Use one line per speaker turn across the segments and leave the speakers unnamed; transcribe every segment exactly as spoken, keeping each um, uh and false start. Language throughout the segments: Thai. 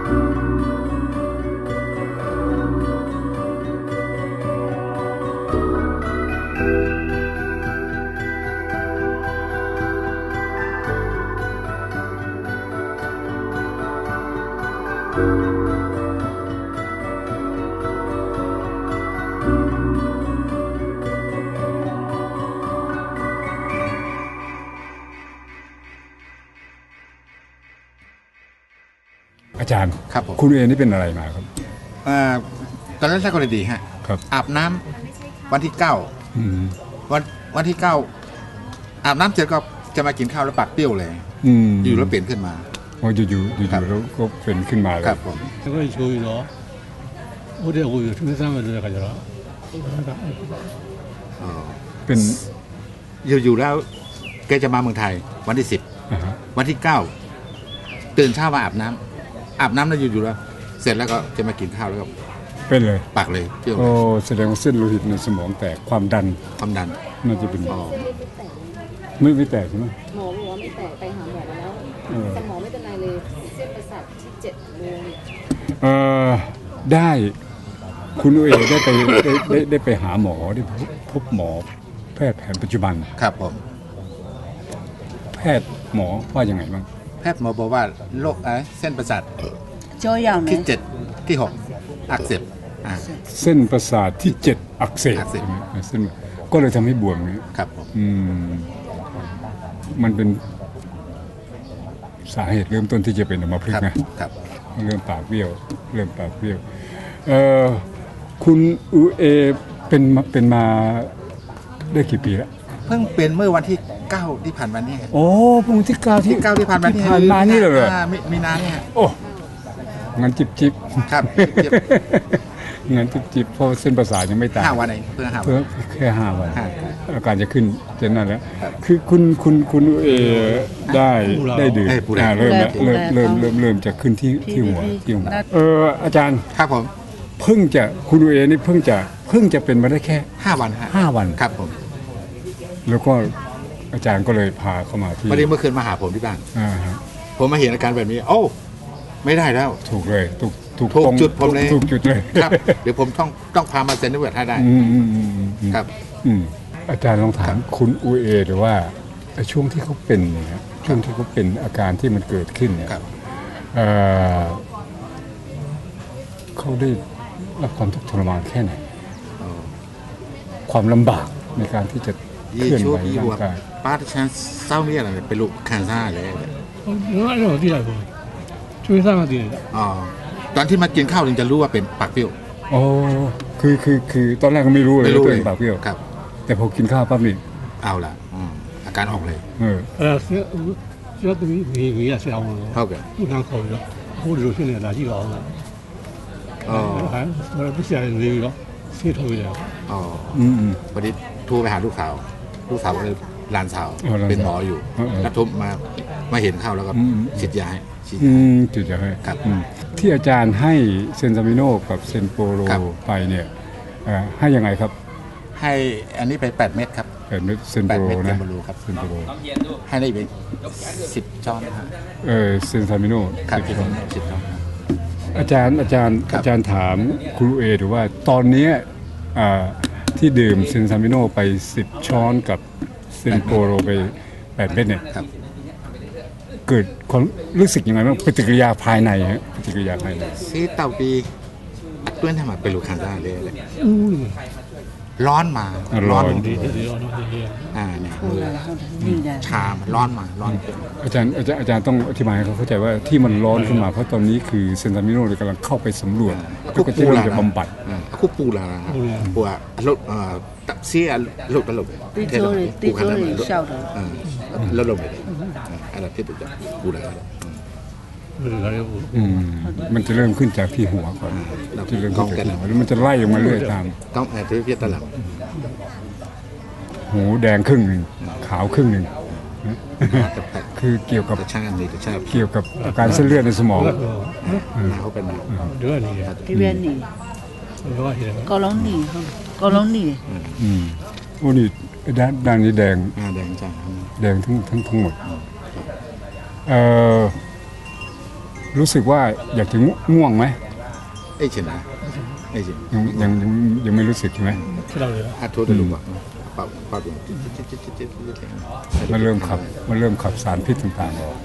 อาจารย์
ครับผม
คุณเอนี่เป็นอะไรมาครับ
ตอนนั้นใช้กรณีฮะอาบน้ำวันที่เก้าวันวันที่เก้าอาบน้ำเสร็จก็จะมากินข้าวแล้วปากเปรี้ยวเลยอยู่แล้วเปลี่ยนขึ้นมา
อ๋ออยู่อยู่อยู่แล้วก็เป็นขึ้นมาเลย
ครับผม
ก็เลยช่วยเนาะโอ้เดี๋ยวกูอยู่ที่นี่สามวันเลยกันแล้ว
เป็น
อยู่ๆแล้วแกจะมาเมืองไทยวันที่สิบวันที่เก้าตื่นเช้ามาอาบน้ำอาบน้ำแล้วอยู่ๆแล้วเสร็จแล้วก็จะมากินข้าวแล้วก็
เป็นเลย
ปากเลยเปรี้ยว
โอ้แสดงว่าเส้นโลหิตในสมองแตกความดัน
ความดัน
น่าจะเป็นไม่ไม่แตกใช่ไหม
หมอบอกว่าไม่แตกไปหาหมอมาแล้วแต่หมอไม่เป็นไรเลยเส้นประสาทที่เจ็ดโมง
เอ่อได้คุณเอได้ไปได้ได้ได้ไปหาหมอได้พบหมอแพทย์แผนปัจจุบัน
ครับผม
แพทย์หมอว่ายังไงบ้าง
แพทย์หมอบอกว่าโรคเส้นประสาท
ที่
เจ็ดที่หกอักเสบ
เส้นประสาทที่เจ็ดอักเสบเส้นก็เลยทำให้บวมนี่
ครับผม
อืมมันเป็นสาเหตุเริ่มต้นที่จะเป็นอัมพฤกษ์นะครับเริ่มปากเบี้ยวเริ่มปากเบี้ยวเอ่อคุณอูเอเป็นเป็นมาได้กี่ปีแล้ว
เพิ่งเป็นเมื่อวันที่เก้าที่ผ่านมานี่
โอ้เพิ่งที่เก้าที่
เก้าที่ผ่านมา
ที่ผ่านมานี่เลย
มีนานเนี่ย
โอ้งั้นจิบจิบ
ครับ
งั้นจิบจิบเพราะเส้นประสาทยังไม่ตาย
ห้าวันเองเพิ่งห้าวัน
เพิ่งแค่ห้าวันอาการจะขึ้นเจนนั่นแล้วคือคุณคุณคุณเอได้ได้ดื่มเริ่มเริ่มเริ่มเริ่มเริ่มจะขึ้นที่ที่หัวที่หัวเอออาจารย์
ครับผม
เพิ่งจะคุณเอนี่เพิ่งจะเพิ่งจะเป็นมาได้แค่
ห้าวัน
ห้าวัน
ครับผม
แล้วก็อาจารย์ก็เลยพาเข้ามาที่
วันนี้เมื่อคืนมาหาผมที่บ้านผมมาเห็นอาการแบบนี้โอ้ไม่ได้แล้ว
ถูกเลยถูกถูก
จุดผมเลย
ถูกจุดเลย
ครับเดี๋ยวผมต้องต้องพามาเซ็นนิเวศให้ได้ครับ
อาจารย์ลองถามคุณอูเอหรือว่าช่วงที่เขาเป็นเนี่ยช่วงที่เขาเป็นอาการที่มันเกิดขึ้นเนี่ยเขาได้รับความทุกข์ทรมานแค่ไหนความลำบากในการที่จะเคลื่อนไหวร่างกาย
ป้าฉันเศร้าเนี่ยอะไรเป็นลูกคันซ่าเลย
นั่นเหรอที่ไหนผมช่วยสร้างมาดี
อ๋อตอนที่มากินข้าวถึงจะรู้ว่าเป็นปากเปรี้ยว
อ๋อคือคือคือตอนแรกก็ไม่รู้เลยว่าเป็นปากเปรี้ยว
ครับ
แต่พอกินข้าวปั๊บนี่
เอาละอาการออกเลย
เออ
เออเชื่อตรงนี้มีมีอะไรเอา
เท่ากัน
พูดทางเขาแล้วพูดรู้ที่เนี่ย哪几个อ๋อ还我不想留了เสียทุยแล้ว
อ๋ออืมๆพอดีโทรไปหาลูกสาวลูกสาวก็เลยหลานสาวเป็นหมออยู่แล้วทุบมามาเห็นเข้าแล้วก็ฉีดยาให้
ฉีดยาให้
ครับ
ที่อาจารย์ให้เซนซามิโนกับเซนโปโรไปเนี่ยให้ยังไงครับ
ให้อันนี้ไปแปดเม็ดครับ
แปดเม็ดเซนโปโรนะ
ครับเซนโปโรให้ได้ไปสิบช้อนครับ
เออเซนซามิโน
ครับสิบช้อน
อาจารย์อาจารย์อาจารย์ถามครูเอหรือว่าตอนนี้ที่ดื่มเซนซามิโนไปสิบช้อนกับเซนโปโรไปแปดเม็ดเนี่ยเกิดความรู้สึกยังไงบ้างปฏิกิริยาภายในฮะปฏิกิริยาภายใน
ซีเต่าปีเพื่อนทำมาเป็นลูกคันซ่าเลยเลยร้อนมา
ร้อน
อ่าเนี่ยชามันร้อนมาร้อน
อาจารย์อาจารย์อาจารย์ต้องอธิบายให้เขาเข้าใจว่าที่มันร้อนขึ้นมาเพราะตอนนี้คือเซนซามิโนกำลังเข้าไปสำรวจก็จะเริ่มจะบำบัด
คู่ปูลาปูอะลดตับเสียลดตลบ
เทลปูคันนั้น
ลดลงเลยอะไรที่ตัวปูลา
มันจะเริ่มขึ้นจากที่หัวก่อนจะเริ่มขึ้นจากหัวแล้วมันจะไล่ออกมาเรื่อยตาม
ต้องแอบที่พิจารณา
หูแดงครึ่งหนึ่งขาวครึ่งหนึ่งคือเกี่ยวกับเกี่ยวกับอาการเส้นเลือดในสมอง
เขาเป็น
เดือนนี้
ที่เวียนนี่ก็ร้องหนีก็ร้องหนี
อืมโอ้นี่ด้านด้านนี้แดง
แดงจ้า
แดงทั้งทั้งทั้งหมดเอ่อรู้สึกว่าอยากจะง่วงไหม
ไอ้เช่นนะไอ้เช่น
ยังยังยังยังไม่รู้สึกใช่ไหม
知道的。
อาทุตลุงอ่ะปั๊บปั๊บ
มันเริ่มขับมันเริ่มขับสารพิษต่างๆออก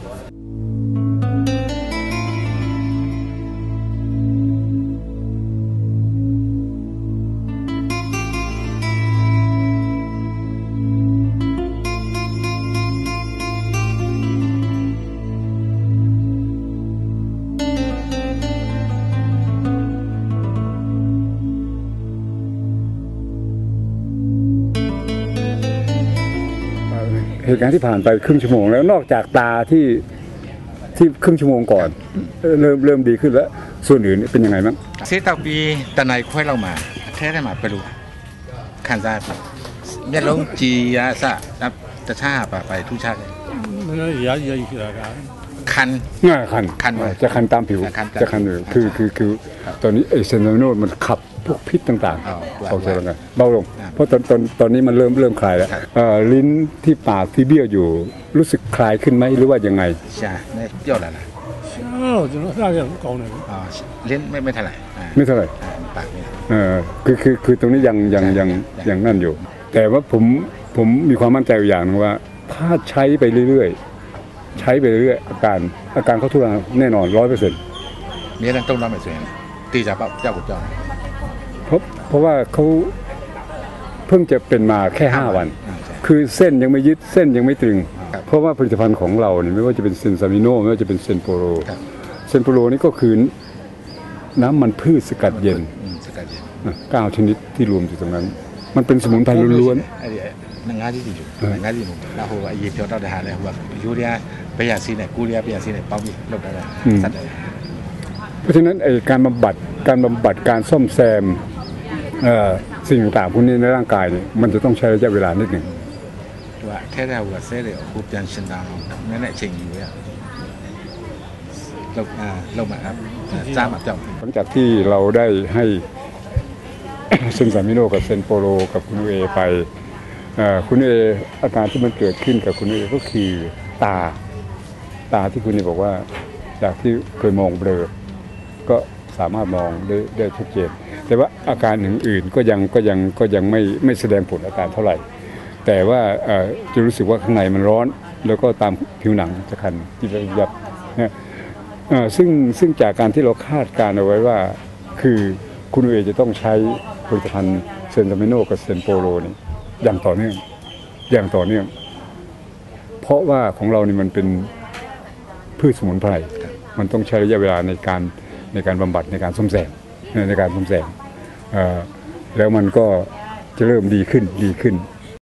เหตุการณ์ที่ผ่านไปครึ่งชั่วโมงแล้วนอกจากตาที่ที่ครึ่งชั่วโมงก่อนเริ่มเริ่มดีขึ้นแล้วส่วนอื่นเป็นยังไงบ้าง
เสียตาปีตะไนค่อยเรามาแท้ได้มาไปรู้ขันซาเม็ดลงจียาซะนับตะชาปะไปทุกชาติ
那个也也也是那个。
คัน
ง่ายคัน
คัน
จะคันตามผิว
จะคันตาม
จะคันผิวคือคือคือตอนนี้ไอเซนโนโนมันขับพวกพิษต่าง
อ๋อ
ๆออกจากร่างกายเบาลง
ครับ
เพราะตอนตอนตอนนี้มันเริ่มเริ่มคลายแล้ว
ครับ
เอ่อลิ้นที่ปากที่เบี้ยวอยู่รู้สึกคลายขึ้นไหมหรือว่ายังไง
ใช่ไม่เปรี้ยวแล้วล่ะ
哦，怎么那个高呢？
อ๋อเล่นไม่ไม่เท่าไหร่อ่า
ไม่เท่าไหร่
อ่าปากเนี่ย
เออคือคือคือตรงนี้ยังยัง
ใช่
ยัง
ใช่
ยังนั่นอยู่ แต่ว่าผมผมมีความมั่นใจอยู่อย่างหนึงว่า ถ้าใช้ไปเรื่อยๆใช้ไปเรื่อยๆอาการอาการเขาทุเลาแน่นอนร้อยเปอร์เซ็นต์
มีอะไรต้องรับไม่สวยตีจะเป้าเจ้าบุญเจ้า
เพราะเพราะว่าเขาเพิ่งจะเป็นมาแค่ห้าวัน
อ่าใช่
คือเส้นยังไม่ยึดเส้นยังไม่ตรึง
ครับ
เพราะว่าผลิตภัณฑ์ของเราเนี่ยไม่ว่าจะเป็นเซนซามิโนไม่ว่าจะเป็นเซนโปโร
ครับ
เซนโปโรนี่ก็คือน้ำมันพืชสกัดเย็น
อืมสกัดเย็น
นะเก้าชนิดที่รวมอยู่ตรงนั้น มันเป็นสมุนไพรล้วน
ไอ้เนี่ยนางงาที่อยู่นางงาที่อยู่แล้วหัวไอ้ยี่เพียวเราได้หาเลยหัวยูเรียไปยาซีเนี่ยกูเรียไปยาซีเนี่ยเป้ามีลบได้เลยสัตว์ได้
ๆเพราะฉะนั้นไอ้การบำบัดการบำบัดการซ่อมแซมเอ่อสิ่งต่างๆพวกนี้ในร่างกายเนี่ยมันจะต้องใช้ระยะเวลานิดหนึ่ง
ว่าแค่ได้หัวเส้นเลยกูเปลี่ยนชินดาวนั่นแหละเชิงอยู่เนี่ยลบอ่าลบมาครับจ้ามาเจ้า
หลังจากที่เราได้ให้ เซนซามิโนกับเซนโปโรกับคุณเอไปเอ่อคุณเออาการที่มันเกิดขึ้นกับคุณเอก็คือตาตาที่คุณเอบอกว่าจากที่เคยมองเบลอก็สามารถมองได้ได้ชัดเจนแต่ว่าอาการอื่นๆก็ยังก็ยังก็ยังไม่ไม่แสดงผลอาการเท่าไหร่ แต่ว่าเอ่อจะรู้สึกว่าข้างในมันร้อน แล้วก็ตามผิวหนังจะคันยิบยับนะเอ่อซึ่งซึ่งจากการที่เราคาดการณ์เอาไว้ว่าคือคุณเอจะต้องใช้ผลิตภัณฑ์เซนซามิโนกับเซนโปโรนี่อย่างต่อเนื่องอย่างต่อเนื่อง เพราะว่าของเรานี่มันเป็นพืชสมุนไพรมันต้องใช้ระยะเวลาในการในการบำบัดในการซ่อมแซมในการซ่อมแซมเอ่อแล้วมันก็จะเริ่มดีขึ้นดีขึ้น